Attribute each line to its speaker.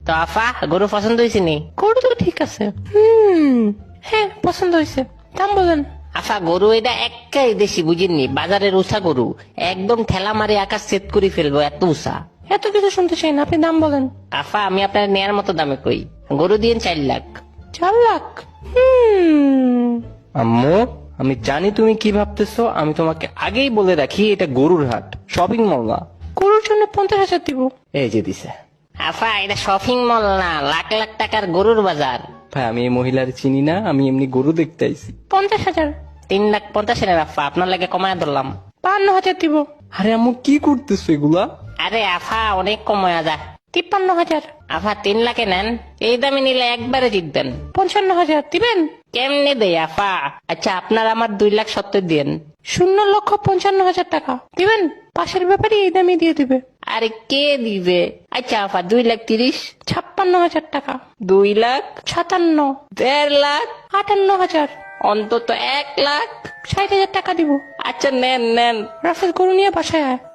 Speaker 1: তো আফা গরু পছন্দ হয়েছে নি?
Speaker 2: গরু তো ঠিক আছে। হ্যাঁ পছন্দ হয়েছে, দাম বলেন।
Speaker 1: আফা গরু এটা একাই দেশি বুঝিনি, বাজারের উষা গরু, একদম ঠেলা মারি আকাশ সেট করে ফেলবো এত উষা।
Speaker 2: এত কিছু শুনতে চাই না, আপনি দাম বলেন।
Speaker 1: আফা আমি আপনার নেয়ার মতো দামে কই, গরু দিয়ে 4 লাখ।
Speaker 2: 4 লাখ?
Speaker 3: আম্মু আমি জানি তুমি কি ভাবতেছো, আমি তোমাকে আগেই বলে রাখি এটা গরুর হাট, শপিং মল না।
Speaker 2: গরুর জন্য 50,000 দিব।
Speaker 3: এই যে দিছে।
Speaker 1: আফা এটা শপিং মল না, লাখ লাখ টাকার গরুর বাজার।
Speaker 3: ভাই আমি এই মহিলার চিনি না, আমি এমনি গরু দেখতে আইছি।
Speaker 2: 50,000।
Speaker 1: 3,50,000 আফা, আপনার লাগে কমায় ধরলাম।
Speaker 2: 52,000 দিব।
Speaker 3: আরে আম্মু কি করতেছো এগুলা?
Speaker 1: আরে আফা অনেক কমায় যা।
Speaker 2: 53,000।
Speaker 1: আফা 3 লাখে নেন, এই দামে নিলে একবারে জিতবেন।
Speaker 2: 55,000 দিবেন?
Speaker 1: কেমনে দেই আফা? আচ্ছা আপনার আমার 2,70,000 দিন।
Speaker 2: 0,55,000 টাকা দিবেন? পাশের ব্যাপারে এই দামে দিয়ে দিবে।
Speaker 1: আরে কে দিবে? আচ্ছা আফা 2,30,000।
Speaker 2: 56,000 টাকা।
Speaker 1: 2,57,000। 1.5 লাখ।
Speaker 2: 58,000।
Speaker 1: অন্তত 1 লাখ।
Speaker 2: 60,000 টাকা দিব।
Speaker 1: আচ্ছা নেন নেন।
Speaker 2: রাফেল গরু নিয়ে বাসায় আয়।